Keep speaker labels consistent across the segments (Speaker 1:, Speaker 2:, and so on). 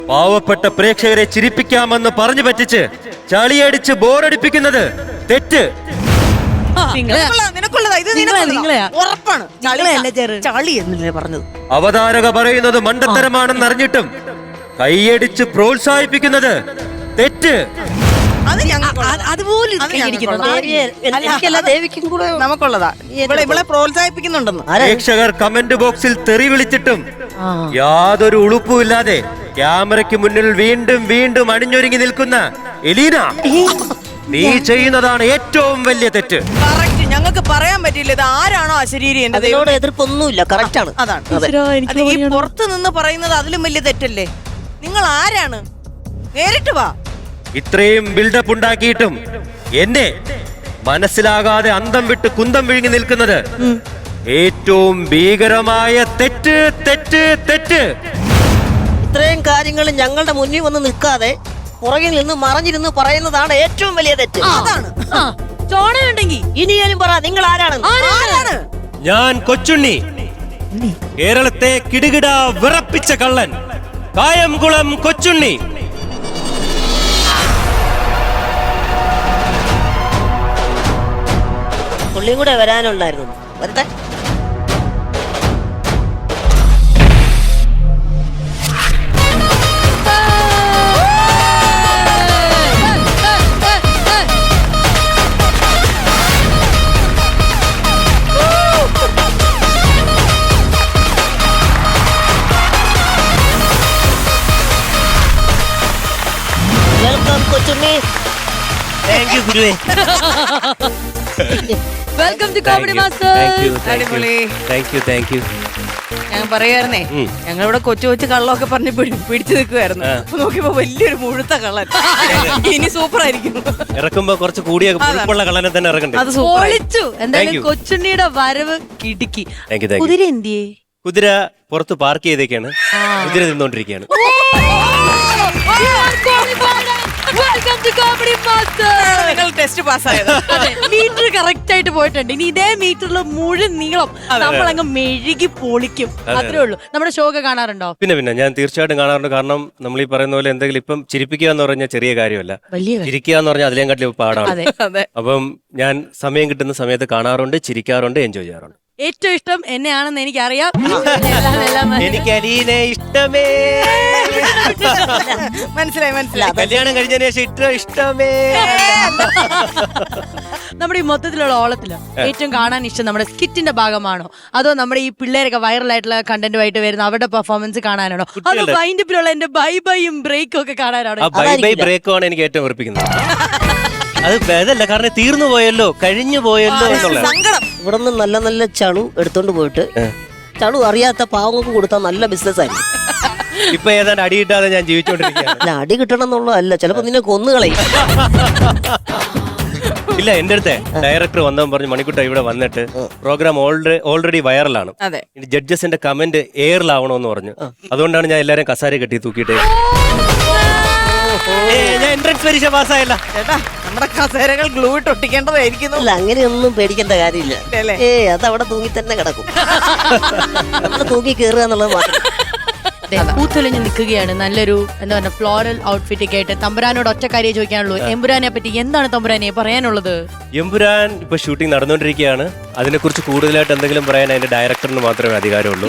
Speaker 1: പാവപ്പെട്ട പ്രേക്ഷകരെ ചിരിപ്പിക്കാമെന്ന് പറഞ്ഞു പറ്റിച്ച് ചളിയടിച്ച് ബോറടിപ്പിക്കുന്നത് തെറ്റ്. അവതാരക പറയുന്നത് മണ്ടത്തരമാണെന്ന് അറിഞ്ഞിട്ടും കൈയടിച്ച് പ്രോത്സാഹിപ്പിക്കുന്നത് തെറ്റ്. പ്രേക്ഷകർ കമന്റ് ബോക്സിൽ തെറി വിളിച്ചിട്ടും യാതൊരു ഉളുപ്പുമില്ലാതെ ക്യാമറയ്ക്ക് മുന്നിൽ വീണ്ടും വീണ്ടും അണിഞ്ഞൊരുങ്ങി നിൽക്കുന്ന എലീന, നീ ചെയ്യുന്നതാണ് ഏറ്റവും വലിയ തെറ്റ്.
Speaker 2: ഞങ്ങൾക്ക് പറയാൻ പറ്റില്ല ഇത് ആരാണോ അശരീരി.
Speaker 3: എതിർപ്പൊന്നുമില്ല, കറക്റ്റ് ആണ്.
Speaker 2: അതാണ് ഈ പുറത്ത് നിന്ന് പറയുന്നത് അതിലും വലിയ തെറ്റല്ലേ. നിങ്ങൾ ആരാണ്? നേരിട്ട് വാ.
Speaker 1: ഇത്രയും ബിൽഡപ്പ് ഉണ്ടാക്കിയിട്ടും എന്നെ മനസ്സിലാകാതെ അന്തം വിട്ട് കുന്തം വിഴുങ്ങി നിൽക്കുന്നത് ഏറ്റവും ഭീകരമായ തെറ്റ് തെറ്റ് തെറ്റ്.
Speaker 3: ഇത്രയും കാര്യങ്ങൾ ഞങ്ങളുടെ മുന്നിൽ വന്ന് നിൽക്കാതെ പുറകിൽ നിന്ന് മറഞ്ഞിരുന്ന് പറയുന്നതാണ് ഏറ്റവും വലിയ തെറ്റ്.
Speaker 2: അതാണ്
Speaker 4: ചോണയുണ്ടെങ്കിൽ
Speaker 3: ഇനിയും പറ, നിങ്ങൾ ആരാണ്?
Speaker 1: ഞാൻ കൊച്ചുണ്ണി, കേരളത്തെ കിടുകിട വിറപ്പിച്ച കള്ളൻ, കായംകുളം കൊച്ചുണ്ണി.
Speaker 3: പുള്ളിയും കൂടെ വരാനുണ്ടായിരുന്നു. വരട്ടെ. വെൽക്കം കൊച്ചുണ്ണി.
Speaker 1: താങ്ക് യു ഗുരുവേ.
Speaker 4: Welcome to comedy master.
Speaker 2: അടിപൊളി.
Speaker 1: Thank you.
Speaker 2: ഞാൻ പറയായിരുന്നേ, ഞങ്ങളിവിടെ കൊച്ചു കൊച്ചു കള്ളമൊക്കെ പറഞ്ഞ് പിടിച്ചു നിൽക്കുമായിരുന്നു. നോക്കിയപ്പോ വലിയൊരു മുഴുത്ത കള്ളൻ. ഇനി സൂപ്പർ ആയിരിക്കും.
Speaker 1: ഇറക്കുമ്പോ കുറച്ച് കൂടിയ പുളിപ്പുള്ള കള്ളനെ തന്നെ ഇറക്കണ്ടേ?
Speaker 2: അത് സൂപ്പർ.
Speaker 4: എന്തായാലും കൊച്ചുണ്ണിയുടെ വരവ് കിടുക്കി.
Speaker 1: താങ്ക്
Speaker 4: കുതിര എന്തിയേ?
Speaker 1: കുതിര പുറത്ത് പാർക്ക് ചെയ്തേക്കാണ്. കുതിര നിന്നോണ്ടിരിക്കുകയാണ്.
Speaker 2: ടെസ്റ്റ് പാസ്സായത്
Speaker 4: മീറ്റർ കറക്റ്റ് ആയിട്ട് പോയിട്ടുണ്ട്. ഇനി ഇതേ മീറ്ററിൽ മുഴുവൻ നീളം നമ്മൾ അങ്ങ് മെഴുകി പൊളിക്കും. അത്രേ ഉള്ളൂ. നമ്മുടെ ഷോ ഒക്കെ കാണാറുണ്ടോ?
Speaker 1: പിന്നെ ഞാൻ തീർച്ചയായിട്ടും കാണാറുണ്ട്. കാരണം നമ്മൾ ഈ പറയുന്ന പോലെ എന്തെങ്കിലും ഇപ്പം ചിരിപ്പിക്കുക എന്ന് പറഞ്ഞാൽ ചെറിയ കാര്യമല്ല, ചിരിക്കുക എന്ന് പറഞ്ഞാൽ അതിലേം കാട്ടിലും പാടാണ്. അപ്പം ഞാൻ സമയം കിട്ടുന്ന സമയത്ത് കാണാറുണ്ട്, ചിരിക്കാറുണ്ട്, എൻജോയ് ചെയ്യാറുണ്ട്.
Speaker 4: ഏറ്റവും ഇഷ്ടം എന്നെയാണെന്ന് എനിക്കറിയാം.
Speaker 1: എനിക്ക് അലീനെ ഇഷ്ടമേ.
Speaker 2: മനസ്സിലായി.
Speaker 1: കല്യാണം കഴിഞ്ഞതിന് ശേഷം ഇഷ്ടമേ.
Speaker 4: നമ്മുടെ ഈ മൊത്തത്തിലുള്ള ഓളത്തില് ഏറ്റവും കാണാൻ ഇഷ്ടം നമ്മുടെ സ്കിറ്റിന്റെ ഭാഗമാണോ, അതോ നമ്മുടെ ഈ പിള്ളേരൊക്കെ വൈറലായിട്ടുള്ള കണ്ടന്റുമായിട്ട് വരുന്ന അവരുടെ പെർഫോമൻസ് കാണാനാണോ, അതോ വൈൻഡപ്പിലുള്ള എന്റെ ബൈ ബൈയും ബ്രേക്കും ഒക്കെ കാണാനാണോ?
Speaker 1: ബൈ ബ്രേക്കും ആണ് എനിക്ക് ഏറ്റവും വെറുപ്പിക്കുന്നത്. അത് അതല്ല, കാരണം തീർന്നു പോയല്ലോ, കഴിഞ്ഞു പോയല്ലോ എന്നുള്ള
Speaker 3: ഇവിടെ നിന്ന് നല്ല നല്ല ചളു എടുത്തോണ്ട് പോയിട്ട് ചളു അറിയാത്ത പാവങ്ങൾക്ക് കൊടുത്താൽ നല്ല ബിസിനസ് ആയിരിക്കും.
Speaker 1: ഇപ്പൊ ഏതാണ്ട് അടി കിട്ടാതെ ഞാൻ ജീവിച്ചോണ്ടിരിക്കുകയാണ്.
Speaker 3: അല്ല, അടി കിട്ടണം എന്നുള്ളതല്ല, ചിലപ്പോ നിന്നെ കൊന്നുകളയും.
Speaker 1: ഇല്ല, എന്റെ അടുത്ത് ഡയറക്ടർ വന്നവൻ പറഞ്ഞു, മണിക്കുട്ട ഇവിടെ വന്നിട്ട് പ്രോഗ്രാം ഓൾറെഡി വൈറലാണ്, ജഡ്ജസിന്റെ കമന്റ് എയറിലാവണമെന്ന് പറഞ്ഞു. അതുകൊണ്ടാണ് ഞാൻ എല്ലാരും കസാര കെട്ടി തൂക്കിയിട്ട് ഞാൻ എൻട്രൻസ് പരീക്ഷ പാസ്സായല്ല.
Speaker 2: ചേട്ടാ, നമ്മുടെ കസേരകൾ ഗ്ലൂ ഇട്ട് ഒട്ടിക്കേണ്ടതായിരിക്കുന്നു.
Speaker 3: അല്ല, അങ്ങനെയൊന്നും പേടിക്കേണ്ട കാര്യമില്ല. അത് അവിടെ തൂങ്ങി തന്നെ കിടക്കും. നമ്മൾ തൂങ്ങി കയറുക എന്നുള്ളത് മാത്രം.
Speaker 4: പൂത്തൊലിഞ്ഞ് നിൽക്കുകയാണ് നല്ലൊരു എന്താ പറയുക ഫ്ലോറൽ ഔട്ട്ഫിറ്റ് ഒക്കെ ആയിട്ട്. തമ്പുരാനോട് ഒറ്റ കാര്യം ചോദിക്കാനുള്ളൂ, എമ്പുരാനെ പറ്റി എന്താണ് തമ്പുരാനെ പറയാനുള്ളത്?
Speaker 1: എമ്പുരാൻ ഇപ്പൊ ഷൂട്ടിംഗ് നടന്നുകൊണ്ടിരിക്കുകയാണ്. അതിനെക്കുറിച്ച് കൂടുതലായിട്ട് എന്തെങ്കിലും പറയാൻ അതിന്റെ ഡയറക്ടറിന് മാത്രമേ അധികാരമുള്ളൂ.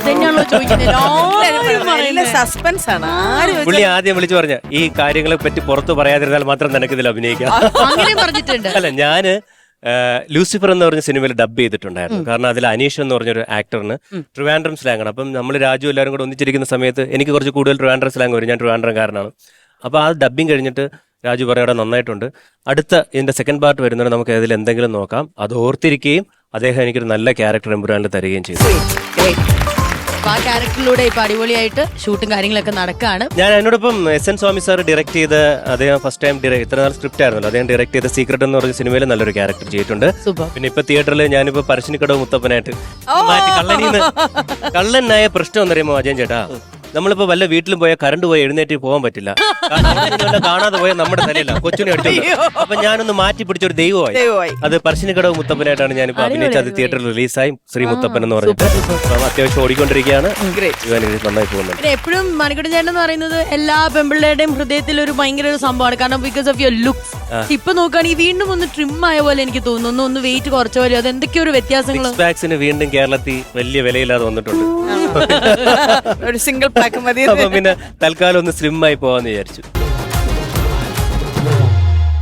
Speaker 2: സസ്പെൻസ് ആണ്.
Speaker 1: പുള്ളി ആദ്യം വിളിച്ചു പറഞ്ഞ ഈ കാര്യങ്ങളെ പറ്റി പുറത്ത് പറയാതിരുന്നാൽ മാത്രം നിനക്ക് ഇതിൽ അഭിനയിക്കാം. അല്ല, ഞാന് ലൂസിഫർ എന്ന് പറഞ്ഞ സിനിമയിൽ ഡബ് ചെയ്തിട്ടുണ്ടായിരുന്നു. കാരണം അതിൽ അനീഷ് എന്ന് പറഞ്ഞൊരു ആക്ടറിന് ട്രിവാൻഡ്രം സ്ലാങ് ആണ്. അപ്പം നമ്മൾ രാജു എല്ലാവരും കൂടെ ഒന്നിച്ചിരിക്കുന്ന സമയത്ത് എനിക്ക് കുറച്ച് കൂടുതൽ ട്രിവാൻഡ്രം സ്ലാങ് വരും. ഞാൻ ട്രിവാൻഡ്രംകാരനാണ്. അപ്പോൾ ആ ഡബ്ബിങ് കഴിഞ്ഞിട്ട് രാജു പറയുടെ നന്നായിട്ടുണ്ട്, അടുത്ത ഇതിന്റെ സെക്കൻഡ് പാർട്ട് വരുന്നത് നമുക്ക് അതിൽ എന്തെങ്കിലും നോക്കാം. അത് ഓർത്തിരിക്കുകയും അദ്ദേഹം എനിക്കൊരു നല്ല ക്യാരക്ടർ എമ്പുരാനിൽ തരികയും ചെയ്തു.
Speaker 4: ആ ക്യാരക്ടറിലൂടെ ഇപ്പൊ അടിപൊളിയായിട്ട് ഷൂട്ടും കാര്യങ്ങളൊക്കെ നടക്കുകയാണ്.
Speaker 1: ഞാൻ എന്നോടൊപ്പം SN സ്വാമി സാർ ഡയറക്ട് ചെയ്ത്, അദ്ദേഹം ഫസ്റ്റ് ടൈം ഇത്ര നാൾ സ്ക്രിപ്റ്റ് ആയിരുന്നല്ലോ, അദ്ദേഹം ഡയറക്ട് ചെയ്ത സീക്രട്ട് എന്ന് പറഞ്ഞ സിനിമയിൽ നല്ലൊരു ക്യാരക്ടർ ചെയ്തിട്ടുണ്ട്. പിന്നെ ഇപ്പൊ തിയേറ്ററിൽ ഞാനിപ്പോ പരശ്ശിനിക്കടവ് മുത്തപ്പനായിട്ട് മാറ്റി കള്ളനായ പ്രശ്നം എന്ന് പറയുമ്പോ അജയൻ ചേട്ടാ, നമ്മളിപ്പോ വല്ല വീട്ടിലും പോയാൽ കറണ്ട് പോയി എഴുന്നേറ്റ് പോകാൻ പറ്റില്ല. കാരണം ഇതുവല്ല കാണാതെ പോയാൽ നമ്മുടെ തലയില്ല, കൊച്ചിനെ അടിച്ചോണ്ട്. അപ്പൊ ഞാനൊന്ന് മാറ്റി പിടിച്ചൊരു ദൈവമായി. അത് പറശ്ശിനിക്കടവ് മുത്തപ്പനായിട്ടാണ് ഞാനിപ്പോ അഭിനയിച്ചത്. അത് തിയേറ്ററിൽ റിലീസായി, ശ്രീ മുത്തപ്പൻ എന്ന് പറഞ്ഞിട്ട് അത്യാവശ്യം ഓടിക്കൊണ്ടിരിക്കുകയാണ്. നന്നായി പോകുന്നുണ്ട്.
Speaker 4: എപ്പോഴും മണിക്കുട്ടൻ ചേട്ടൻ എന്ന് പറയുന്നത് എല്ലാ പെമ്പിള്ളേരുടെയും ഹൃദയത്തിൽ ഒരു ഭയങ്കര ഒരു സംഭവമാണ്. കാരണം ബിക്കോസ് ഓഫ് യുവർ ലുക്സ്. ഇപ്പൊ നോക്കുകയാണെങ്കിൽ വീണ്ടും ഒന്ന് ട്രിം ആയ പോലെ എനിക്ക് തോന്നുന്നു, ഒന്ന് വെയിറ്റ് കുറച്ച പോലെ. അത് എന്തൊക്കെയോ ഒരു വ്യത്യാസങ്ങൾ.
Speaker 1: വാക്സിന് വീണ്ടും കേരളത്തിൽ വലിയ വിലയില്ലാതെ വന്നിട്ടുണ്ട്.
Speaker 2: ഒരു സിംഗിൾ പാക്ക് മതി.
Speaker 1: അപ്പൊ പിന്നെ തൽക്കാലം ഒന്ന് സ്ലിം ആയി പോവാന്ന് വിചാരിച്ചു.